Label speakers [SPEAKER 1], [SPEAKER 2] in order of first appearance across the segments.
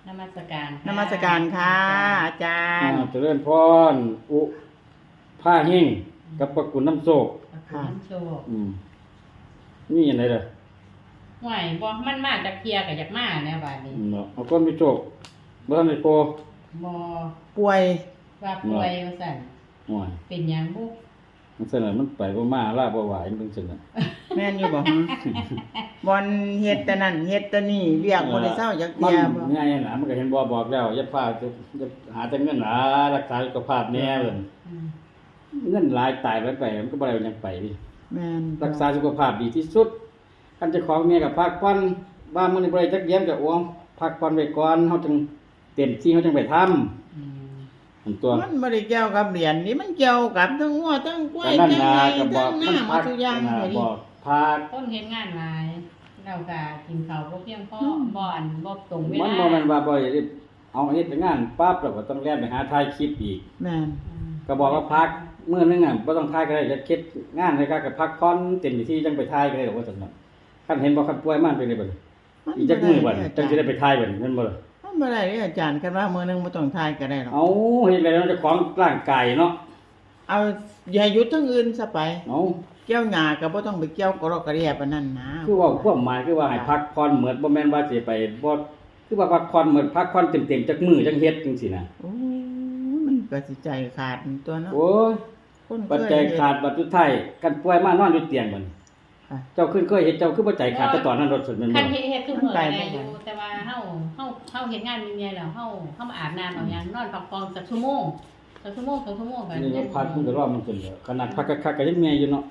[SPEAKER 1] นมัสการ
[SPEAKER 2] นมัสการค่ะอาจารย์
[SPEAKER 3] เจริญพรอุผ้าเฮงกับประกุลน้ำโศก
[SPEAKER 1] ค่ะน้ำโชค
[SPEAKER 3] นี่ยังไงล่ะ
[SPEAKER 1] ห่วยบ่มันมาจากเพียกับจากมาแนวบาดนี้
[SPEAKER 3] เนาะเอาก้นไปโศกบ้านในโป
[SPEAKER 1] บ่
[SPEAKER 2] ป่วย
[SPEAKER 1] ว่าป่วยว่าซั่น
[SPEAKER 3] ห่วย
[SPEAKER 1] เป็นหยังบุ
[SPEAKER 3] มันเสนอมันไปบ่มาลาบ่ไหวมันเสนอ
[SPEAKER 2] แม่นอยู่บ่ฮะบอนเฮ็ดแต่นั่นเฮ็ดแต่นี่เรียกบ่ได้เศร้าจักเที่ยบ่
[SPEAKER 3] ง่ายน่ะมันก็เห็นบ่บอกแล้วอย่าพาจะหาแต่เงินหารักษาสุขภาพแน่เพิ่นเงินหลายตายไปมันก็บ่ได้ยังไปดิ
[SPEAKER 2] แม่น
[SPEAKER 3] รักษาสุขภาพดีที่สุดคันเจ้าของเมียก็พักผ่อนว่ามื้อนี้บ่ได้จักเยี่ยมก็อ้วงพักผ่อนไว้ก่อนเฮาจึงเต็มที่เฮาจึงไปทำตัว
[SPEAKER 2] มันบ่ได้เกี่ยวกับเหรียญนี่มันเกี่ยวกับทั้งงัวทั้งกล้วยทั้งไก่ทั้งน้ำทุกอย่างเลย
[SPEAKER 3] บอกพัก
[SPEAKER 1] คนเฮ็ดงานหลายเราก็กินข้าวบ่เพียงพอบ่อันบ่ตรงเวลา
[SPEAKER 3] มันบ่แม่นว่าบ่ได้เอาเฮ็ดงานปั๊บแล้วก็ต้องแล่นไปหาถ่ายคลิปอีก
[SPEAKER 2] แม่น
[SPEAKER 3] ก็บอกว่าพักมื้อนึงอ่ะบ่ต้องถ่ายก็ได้จะเฮ็ดงานเลยก็พักผ่อนเต็มที่จังไปถ่ายก็ได้ดอกว่าซั่นน่ะคันเห็นบ่คันป่วยมันเป็นได้บ่อีจักมื้อบ่จังสิได้ไปถ่ายบ่แม่นบ่ล่ะ
[SPEAKER 2] มันบ่ได้อาจารย์คันว่ามื้อนึงบ่ต้องทายก็ได้หรอก
[SPEAKER 3] เอาเฮ็ดแล้วเจ้าของร่างกายเนาะ
[SPEAKER 2] เอาอย่าหยุดทั้งอื่นซะไป
[SPEAKER 3] เอา
[SPEAKER 2] เกี่ยวหญ้าก็บ่ต้องไปเกี่ยวกรอกกระเดียปานนั้นนะ
[SPEAKER 3] คือว่าความหมายคือว่าให้พักผ่อนเหมือนบ่แม่นว่าสิไปบ่คือว่าพักผ่อนเหมือนพักผ่อนเต็มๆจักมื้อจังเฮ็ดจังซี่นะ
[SPEAKER 2] โอ้มันก็สิใจขาดตัวเนาะ
[SPEAKER 3] โอ้ยปัจจัยขาดบัดสุดท้ายกันป่วยมานอนอยู่เตียงบัดเจ้าขึ้นเคยเห็นเจ้าคือบ่ใจขาดแต่ตอนนั้นรถสุดแม่นบ่
[SPEAKER 1] คันเฮ็ดคือมื้อได้อยู่แต่ว่าเฮาเฮ็ดงานมีเมียแล้วเฮามาอาบน้ำเอาหยังนอนพักผ่อนสักชั่วโมง2 ชั่วโมงก็
[SPEAKER 3] นี่พักมันก็รอมันขึ้นแล้วขนาดพักคักๆก็ยังเมียอยู่เนาะ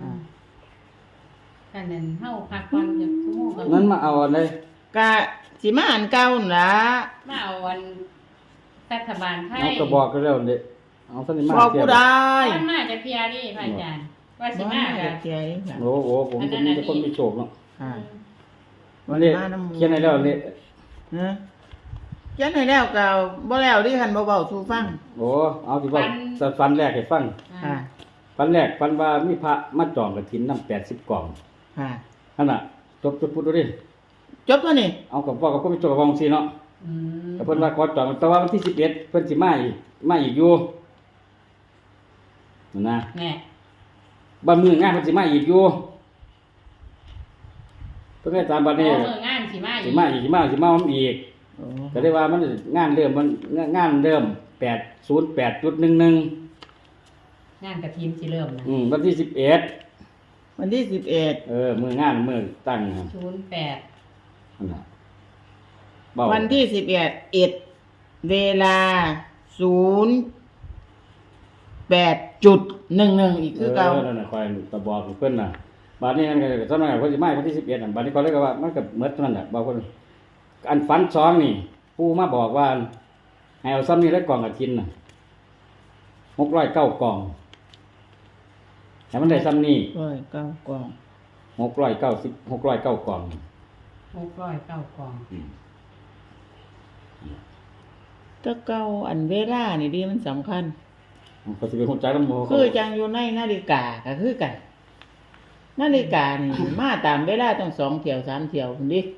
[SPEAKER 1] คันนั้นเฮาพักผ่อนจักชั่วโมงก็
[SPEAKER 3] นั้นมาเอาอันใด
[SPEAKER 2] ก็สิมาอันเก่านั่นล่ะ
[SPEAKER 1] มาเอาวันรัฐบาลไทย
[SPEAKER 3] เอาก็บอกกันแล้วเด้เอาซั่นนี่มา
[SPEAKER 2] บอกผู้ใด
[SPEAKER 1] มันมาจากเพียนี่พระอาจารย์ว่าสิมาก็
[SPEAKER 2] เที่ยค่ะ
[SPEAKER 3] โอ้ผมจะคนมีโชคเนาะ
[SPEAKER 2] ค่ะ
[SPEAKER 3] วันนี้เขียนให้แล้วนี่
[SPEAKER 2] ฮะเขียนให้แล้วก็บ่แล้วดิคั่นบ่เว้าสู่ฟัง
[SPEAKER 3] โอ้เอาสิว่าฝันแรกให้ฟัง
[SPEAKER 2] ค่ะ
[SPEAKER 3] ฝันแรกฝันว่ามีพระมาจองกฐินนำ80กล่อง
[SPEAKER 2] ค่ะ
[SPEAKER 3] นั่นน่ะจบพูดดูดิ
[SPEAKER 2] จบตัวนี้
[SPEAKER 3] เอากับพ่อกับพ่อไปจบกับวงซี่เนาะแต่เพิ่นว่าขอจองแต่ว่าวันที่11เพิ่นสิมาอีกอยู่นั่นนะ
[SPEAKER 1] แน่
[SPEAKER 3] บ้านมืองานเพิ่นสิมาอีกอยู่เพิ่นก็ตามบัดนี้
[SPEAKER 1] งานสิมาอีก
[SPEAKER 3] อีกก็ได้ว่ามันงานเริ่ม808.11
[SPEAKER 1] งานกฐินสิเริ่มนะ
[SPEAKER 3] วันที่11
[SPEAKER 2] วันที่11
[SPEAKER 3] มื้องานมื้อตั้ง08นั่นน่ะ
[SPEAKER 2] วันที่11เวลา08.11อีกคือเก่า
[SPEAKER 3] นั่นน่ะคอยตะบอกเพิ่นน่ะบัดนี้มันก็สำนักเพิ่นสิมาวันที่11นั่นบัดนี้ก็เลยก็ว่ามันก็หมดเท่านั้นน่ะบอกเพิ่นอันฝัน2นี่ปู่มาบอกว่าให้เอาซ้ำนี้แล้วกล่องกฐินน่ะ609กล่องให้มันได้ซ้ำนี้
[SPEAKER 2] 609กล่อง
[SPEAKER 3] 609กล่อง
[SPEAKER 1] 609กล่อง
[SPEAKER 2] ถ้าเก่าอันเวลานี่ดีมันสำคัญ
[SPEAKER 3] ก็สิเป็นฮู้จักนำ
[SPEAKER 2] คือจังอยู่ในนาฬิกาก็คือกันนาฬิกานี่มาตามเวลาต้อง2เที่ยว3เที่ยวพุ่นดิ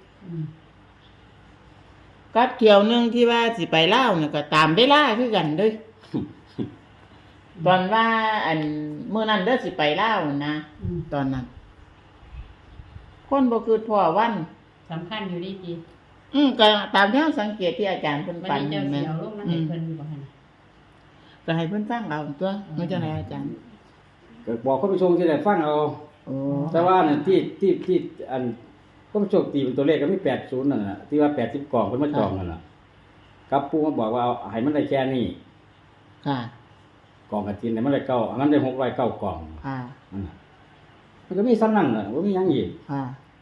[SPEAKER 2] กับเที่ยวนึงที่ว่าสิไปลาวน่ะก็ตามเวลาคือกันเด้อตอนว่าอันมื้อนั้นเด้อสิไปลาวนะตอนนั้นคนบ่คือพ่อวัน
[SPEAKER 1] สำคัญอยู่ดีติ
[SPEAKER 2] ก็ตามที่สังเกตที่อาจารย์เพิ่นฝัน
[SPEAKER 1] แม่นเจ้าสิเอาลงมาให้เพิ่นบ่หั่น
[SPEAKER 2] ก็ให้เพิ่นฟังเอาตัวมันจังได๋อาจารย์
[SPEAKER 3] ก็บอกคนผู้ชมที่ได้ฟังเอาแต่ว่าน่ะที่อันคนผู้ชมตีเป็นตัวเลขก็มี80นั่นน่ะที่ว่า80กล่องเพิ่นมาจองนั่นน่ะกับปู่มาบอกว่าให้มันได้แค่นี้
[SPEAKER 2] ค่ะ
[SPEAKER 3] กล่องกฐินเนี่ยมันได้9อันนั้นได้609กล่อง
[SPEAKER 2] ค่ะ
[SPEAKER 3] มันก็มีซ้ำนั่นน่ะบ่มีหยังอีก
[SPEAKER 2] ค่ะ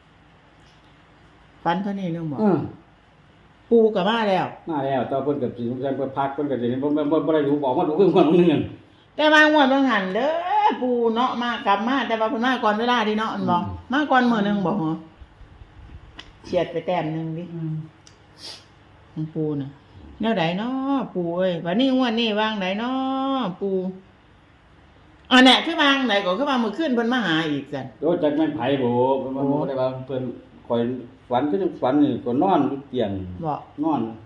[SPEAKER 2] ฝันเท่านี้นึงบ่ปู่ก็มาแล้ว
[SPEAKER 3] ตอนเพิ่นก็สิเพิ่นพักเพิ่นก็สิบ่ได้รู้บอกมาดูคือคนนึง
[SPEAKER 2] แต่ว่างวดบางหันเด้อปู่เนาะมากลับมาแต่ว่าเพิ่นมาก่อนเวลาดิเนาะอันบ่มาก่อนมื้อนึงบ่ฮะเฉียดไปแต้มนึงดิของปู่น่ะแนวใดเนาะปู่เอ้ยบัดนี้งวดนี้วางไดเนาะปู่อันน่ะคือวางไดก็คือว่ามื้อคืนเพิ่นมาหาอีกซั่น
[SPEAKER 3] โอ้จักแม่นไผบ่เพิ่นบ่ได้ว่าเพิ่นคอยฝันคือจังฝันนี่ก็นอนอยู่เตียงนอน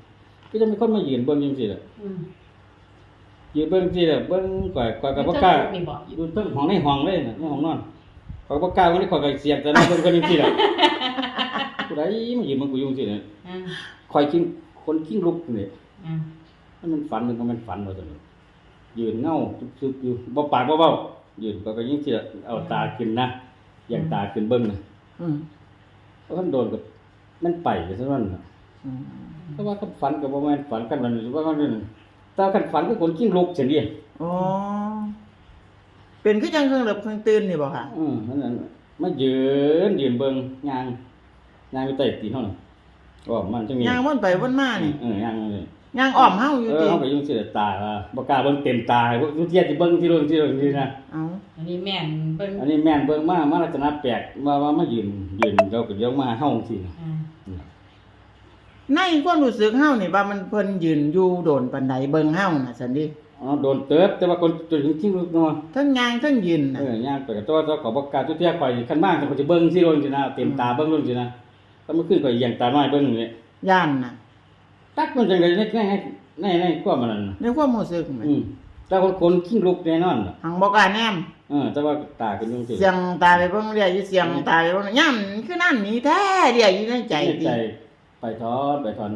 [SPEAKER 3] ก็จะมีคนมายืนเบิ่งจังซี่แหละ
[SPEAKER 1] อืม
[SPEAKER 3] ยืนเบิ่งจังซี่แหละเบิ่งก่อยก็บ่กล้า
[SPEAKER 1] นี่บ่
[SPEAKER 3] อยู่เทิงห้องในห้องเลยน่ะในห้องนอนข้อยก็บ่กล้าวันนี้ข้อยก็เสียงแต่นั้นเบิ่งคนจังซี่แหละผู้ใดมายืนมันกูอยู่จังซี่น่ะ
[SPEAKER 1] อ่า
[SPEAKER 3] ข้อยคนกิ้งลุกนี่
[SPEAKER 1] อ่า
[SPEAKER 3] มันฝันมันก็มันฝันว่าซั่นยืนเงาซึบๆอยู่บ่ปากบ่เว้ายืนก็ยังสิเอาตาขึ้นนะอย่างตาขึ้นเบิ่งน่ะ
[SPEAKER 2] อืม
[SPEAKER 3] เพราะมันโดนกับมันไปไปซะนั่นน่ะ
[SPEAKER 2] อืม
[SPEAKER 3] เพราะว่าคันฝันก็บ่แม่นฝันกันมันว่ามันนั่นแต่คันฝันคือคนกิ้งลุกจังซี่
[SPEAKER 2] อ๋อเป็นคือจังเครื่องหลับเครื่องตื่นนี่บ่ค่ะ
[SPEAKER 3] นั่นมายืนเบิ่งย่างอยู่ใต้ตีนเฮาน่ะก็มันจังมี
[SPEAKER 2] ย่างวนไปวนมานี่
[SPEAKER 3] ย่างเลย
[SPEAKER 2] ย่างอ้อมเฮาอยู่ติ
[SPEAKER 3] เฮาก็ยังสิได้ตาว่าบ่กล้าเบิ่งเต็มตาพวกทุเทียสิเบิ่งที่โรงนี่นะ
[SPEAKER 2] เอ้า
[SPEAKER 1] อันนี้แม่นเบิ่ง
[SPEAKER 3] อันนี้แม่นเบิ่งมาลักษณะแปลกว่ามายืนเราก็เดี๋ยวมาเฮาจังซี่นะ
[SPEAKER 1] อ่า
[SPEAKER 2] ในความรู้สึกเฮานี่ว่ามันเพิ่นยืนอยู่โดนปานใดเบิ่งเฮาน่ะซั่นดิ
[SPEAKER 3] อ๋อโดนเติบแต่ว่าคนจริงๆเนาะ
[SPEAKER 2] ทั้งย่างทั้งยืนน่ะ
[SPEAKER 3] ย่างไปก็ตัวขอบ่กล้าทุเทียข่อยคันมาแต่ข่อยสิเบิ่งที่โรงสินะเต็มตาเบิ่งโรงสินะก็มันขึ้นข่อยอย่างตาน้อยเบิ่งนี่
[SPEAKER 2] ย่านน่ะ
[SPEAKER 3] ตักมันจังได๋ในความมันนั่น
[SPEAKER 2] ในความรู้สึกมัน
[SPEAKER 3] แต่ว่าคนขี้ลุกแน่นอนน่ะ
[SPEAKER 2] หังบ่กล้าแนม
[SPEAKER 3] แต่ว่าตาขึ้นจังซี่
[SPEAKER 2] เสียงตาไปเบิ่งเรียอยู่เสียงตาไปเบิ่งย่ํคือนั่นนี่แท้เรียอยู่ในใจ
[SPEAKER 3] ใน
[SPEAKER 2] ติ
[SPEAKER 3] ใจไปถอนดู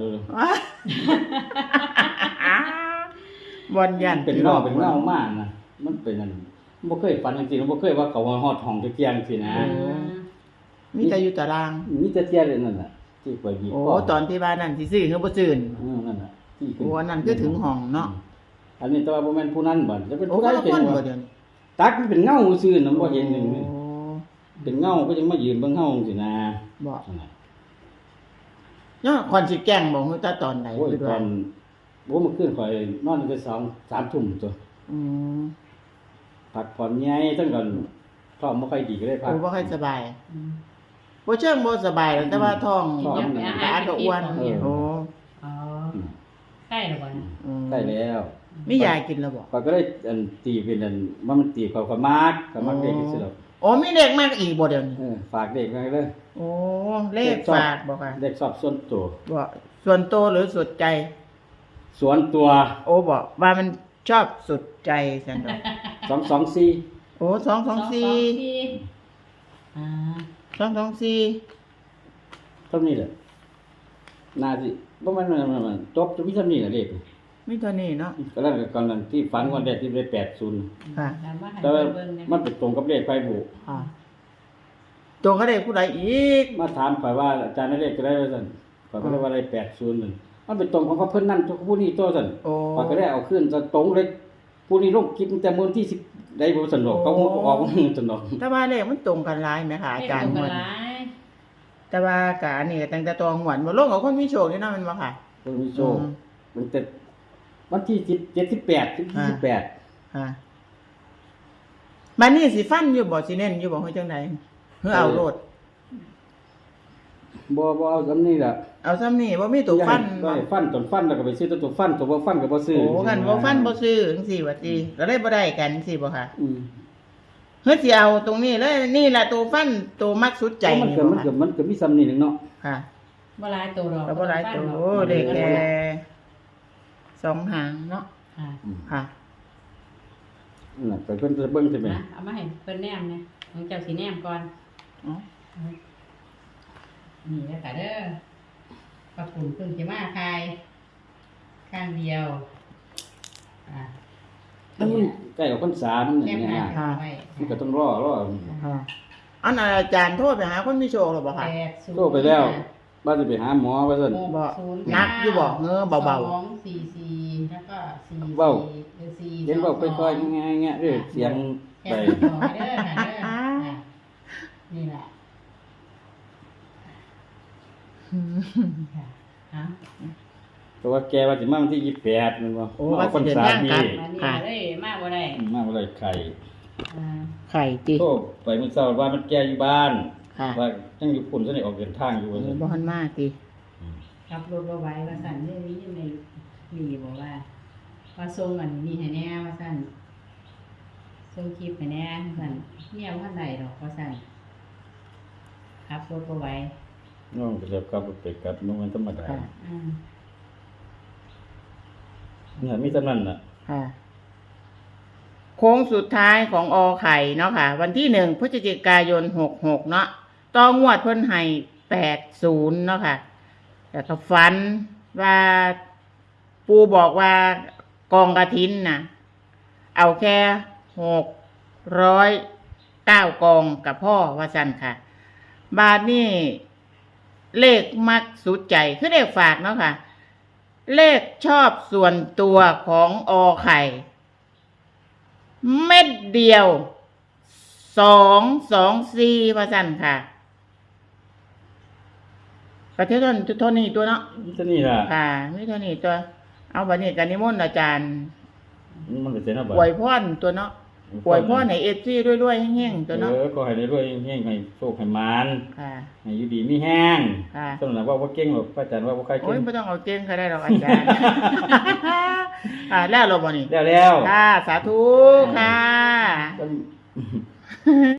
[SPEAKER 2] บ่อนย่าน
[SPEAKER 3] เป็นเงามากนะมันเป็นนั่นบ่เคยฝันจริงๆบ่เคยว่าเขาว่าฮอดห้องตะเกียงสินะ
[SPEAKER 2] มีแต่อยู่ตาราง
[SPEAKER 3] มีแต่เทียนั่นน่ะที่ข่อยบีบ
[SPEAKER 2] โอ้ตอนที่ว่านั่นสิซื้อคือบ่ซื้อ
[SPEAKER 3] นั่นน่ะที่
[SPEAKER 2] โอ้อันนั้นคือถึงห้องเนาะ
[SPEAKER 3] อันนี้แต่ว่าบ่แม่นผู้นั้นบ่จะเป็น
[SPEAKER 2] โอ้
[SPEAKER 3] ผู้
[SPEAKER 2] ก็
[SPEAKER 3] ใด
[SPEAKER 2] ละ
[SPEAKER 3] เป็น
[SPEAKER 2] คน
[SPEAKER 3] บ่
[SPEAKER 2] บ่เดี๋ยวนี้
[SPEAKER 3] ตักมันเป็นเงาซื่อน่ะบ่เห็นหนึง
[SPEAKER 2] โอ้
[SPEAKER 3] เป็นเงาก็ยังมายืนเบิ่งเฮาสินะ
[SPEAKER 2] บ่
[SPEAKER 3] นั่นน่ะ
[SPEAKER 2] เนาะคนสิแกล้งบ่ฮู้แต่ตอนไหน
[SPEAKER 3] โอ้ย
[SPEAKER 2] คือ
[SPEAKER 3] ต
[SPEAKER 2] ว่า
[SPEAKER 3] อนบ่มื้อคืนข่อยนอนตั้งแต่2-3 ทุ่มตัว
[SPEAKER 2] อืม
[SPEAKER 3] พักผ่อนใหญ่ตั้งก่อนท้องบ่ค่อยดีก็เลยพั
[SPEAKER 2] โอ้
[SPEAKER 3] ก
[SPEAKER 2] บ่ค่อยสบาย
[SPEAKER 1] อืม
[SPEAKER 2] บ่เชิงบ่สบายหรอกแต่ว่าท้อง
[SPEAKER 3] ท้อง
[SPEAKER 2] ตาก็อ้วนโอ้
[SPEAKER 1] อ๋อใกล้แล้วบ่นะ
[SPEAKER 2] อืม
[SPEAKER 3] ได้แล้ว
[SPEAKER 2] มียากินแล้วบ่
[SPEAKER 3] ข้อยก็เลยตีเป็นว่ามันตีข้อยก็มักเด็กสิดอก
[SPEAKER 2] โอ้มีเด็กมากอีกบ่เดี๋ยวนี้
[SPEAKER 3] ฝากเด็กไว้เลย
[SPEAKER 2] โอ้เลขฝากบ่ค่ะ
[SPEAKER 3] เด็กสอบส่วนตัว
[SPEAKER 2] บ่ส่วนตัวหรือสุดใจ
[SPEAKER 3] ส่วนตัว
[SPEAKER 2] โอ้บอกว่ามันชอบสุดใจสันดอก
[SPEAKER 3] 224
[SPEAKER 2] โอ้224
[SPEAKER 1] อ่า
[SPEAKER 2] 224
[SPEAKER 3] เท่านี้แหละน่าสิบ่แม่นจบจะมีเท่านี้แหละเลข
[SPEAKER 2] มีตัวนี้เนาะ
[SPEAKER 3] ก็แล้วก่อนนั้นที่ฝันวันแรกที่ได้80
[SPEAKER 2] ค่ะ
[SPEAKER 1] ถามว่าให้
[SPEAKER 3] แต่ว่า
[SPEAKER 1] เบิ่งนะ
[SPEAKER 3] มันไปตรงกับเลขไฟบุ
[SPEAKER 2] ค่ะตัวเขาได้ผู้ใดอีก
[SPEAKER 3] มาถามข่อยว่าอาจารย์ได้เลขก็ได้ว่าซั่นข่อยก็เลยว่าได้80นั่นมันเป็นตรงของเขาเพิ่นนั่นผู้นี้ตัวซั่น
[SPEAKER 2] โอ้
[SPEAKER 3] ข่อยก็ได้เอาขึ้นจะตรงเลยผู้นี้ลงคลิปแต่มื้อที่10ได้บ่สนุกเขาออกสนุก
[SPEAKER 2] แต่ว่าเลขมันตรงกันหลายไหมคะอาจารย์
[SPEAKER 1] ให้
[SPEAKER 2] หม
[SPEAKER 1] เบิ่
[SPEAKER 2] ด
[SPEAKER 1] งกันหลาย
[SPEAKER 2] แต่ว่ากะอันนี้ก็ตั้งแต่ตัวหวนบ่ลงกับคนมีโชคนี่เนาะแม่นบ่ค่ะ
[SPEAKER 3] เพิ่นมีโชคมันแต่วันที่78ถึง28
[SPEAKER 2] ฮะมันนี่สิฟันอยู่บ่สิเน้นอยู่บ่เฮ็ดจังได๋เฮือเอาโลด
[SPEAKER 3] บ่เอาซำนี้ล่ะ
[SPEAKER 2] เอาซ้ำนี่บ่มีตัวฟัน
[SPEAKER 3] บ่
[SPEAKER 2] บ่
[SPEAKER 3] ให้ฟันตอนฟันแล้วก็ไปซื้อตัวฟันตัวบ่ฟันก็บ่ซื้อ
[SPEAKER 2] โอ้กันบ่ฟันบ่ซื้อจังซี่ว่าติก็เลยบ่ได้กันจังซี่บ่ค่ะ
[SPEAKER 3] อืม
[SPEAKER 2] เฮ้ยสิเอาตรงนี้เลยนี่แหละตัวฟันตัวมักสุดใจ
[SPEAKER 3] มัน
[SPEAKER 2] นี่
[SPEAKER 3] ก็
[SPEAKER 2] บ่
[SPEAKER 3] มัน
[SPEAKER 2] ค่ะ
[SPEAKER 3] ก็มันก็มีซ้ำนี่นึงเนาะ
[SPEAKER 2] ค่ะ
[SPEAKER 1] บ่หลายตัวดอก
[SPEAKER 2] แล้วบ่หลายตัวโอ้เด็กแค่2หางเนาะ
[SPEAKER 1] ค่ะ
[SPEAKER 2] ค่ะ
[SPEAKER 3] นั่นไปเพิ่นจะเบิ่งใช่มั้ย
[SPEAKER 1] นะเอามาให้เพิ่นแนมเนี่ยของเจ้าสิแนมก่อน
[SPEAKER 2] อ๋อ
[SPEAKER 1] นี่แล้วค่ะเด้อปลาปุ่นเพิ่งจะมาคายข้างเดียวอ่า
[SPEAKER 3] มันใกล้กับพรรษามัน
[SPEAKER 1] แคบห
[SPEAKER 3] เนี่
[SPEAKER 1] น้าย ไว้
[SPEAKER 3] มันก็ต้องรอ
[SPEAKER 2] ค่ะอันอาจารย์โทรไปหาคนมีโชคหรือบ่ค่ะ
[SPEAKER 3] โทรไปแล้วว่าจะไปหาหมอว่าซั่น
[SPEAKER 2] บ่นักอยู่บ่เงอเบา
[SPEAKER 1] 244แล้วก็4
[SPEAKER 3] เว้า
[SPEAKER 1] 4
[SPEAKER 3] เห็นบอกค่อยๆง่ายๆเด้อเสียง
[SPEAKER 1] แค
[SPEAKER 3] ไป
[SPEAKER 1] บหน้าเด้อค่ะเด้ออ่ะนี่แหละ
[SPEAKER 2] ๆ
[SPEAKER 1] ค่ะฮะ
[SPEAKER 3] เพราะว่าแกว่าสิมาวันที่28นั่นบ่
[SPEAKER 2] โอ้ว่าสิเดินทางกลับ
[SPEAKER 1] อันนี้
[SPEAKER 2] ค่ะ
[SPEAKER 1] เลยมาบ่ได้
[SPEAKER 3] มาบ่ได้ไข่
[SPEAKER 1] อ่า
[SPEAKER 2] ไข่ติ
[SPEAKER 3] โทรไปมื้อเช้าว่ามันแกอยู่บ้าน
[SPEAKER 2] ค่ะ
[SPEAKER 3] ว่ายังอยู่พุ่นซะนี่ออกเดินทางอยู่ว่าซั่น
[SPEAKER 2] บ่ทันมาติ
[SPEAKER 1] ขับรถบ่ไหวว่าสั่นเรื่องนี้ในมีบอกว่าส่งอันนี้ให้แน่ว่าสั่นส่งคลิปให้แน่ว่าสั่นเมียบ่ทันได้ดอกว่าสั่นขับรถบ่ไหว
[SPEAKER 3] น้องก็จะกลับไปกลับมันธรรมดา
[SPEAKER 2] ค่ะ
[SPEAKER 1] อืม
[SPEAKER 3] เนี่ยมีเท่านั้นน่ะ
[SPEAKER 2] ค่ะโค้งสุดท้ายของอไข่เนาะค่ะ วันที่1 พฤศจิกายน 66เนาะต่องวดเพิ่นให้80เนาะค่ะแต่ก็ฝันว่าปูบอกว่ากองกฐินน่ะ เอาแค่609กองกับพ่อว่าซั่นค่ะ บาทนี่เลขมักสุดใจคือเลขฝากเนาะค่ะ เลขชอบส่วนตัวของอไข่ เม็ดเดียว224ว่าซั่นค่ะประเทศเท่านี้ตัวเนาะ
[SPEAKER 3] มีเท่านี้ล่ะ
[SPEAKER 2] ค่ะไม่เท่านี้ตัว เอาบัดนี้กันนิมนต์อาจารย์
[SPEAKER 3] มันเป็นเส้นเอาบ่
[SPEAKER 2] อวยพรตัวเนาะอวยพรให้ FC รวยๆแห้งๆตัวเนาะ
[SPEAKER 3] ก็ให้ได้รวยๆเฮงๆให้โชคให้หมาน
[SPEAKER 2] ค่ะ
[SPEAKER 3] ให้อยู่ดีมีแห้ง
[SPEAKER 2] ค่ะ
[SPEAKER 3] สำหรับว่าบ่เก่งหรอกพระอาจารย์ว่าบ่ใคร
[SPEAKER 2] โอ้
[SPEAKER 3] เก่
[SPEAKER 2] ย
[SPEAKER 3] ง
[SPEAKER 2] ไม่ต้องเอาเก่งก็ได้หรอกอาจารย์ แล้วเราบ่นี่
[SPEAKER 3] แล้ว
[SPEAKER 2] ค่ะ สาธุค่ะ
[SPEAKER 3] ก็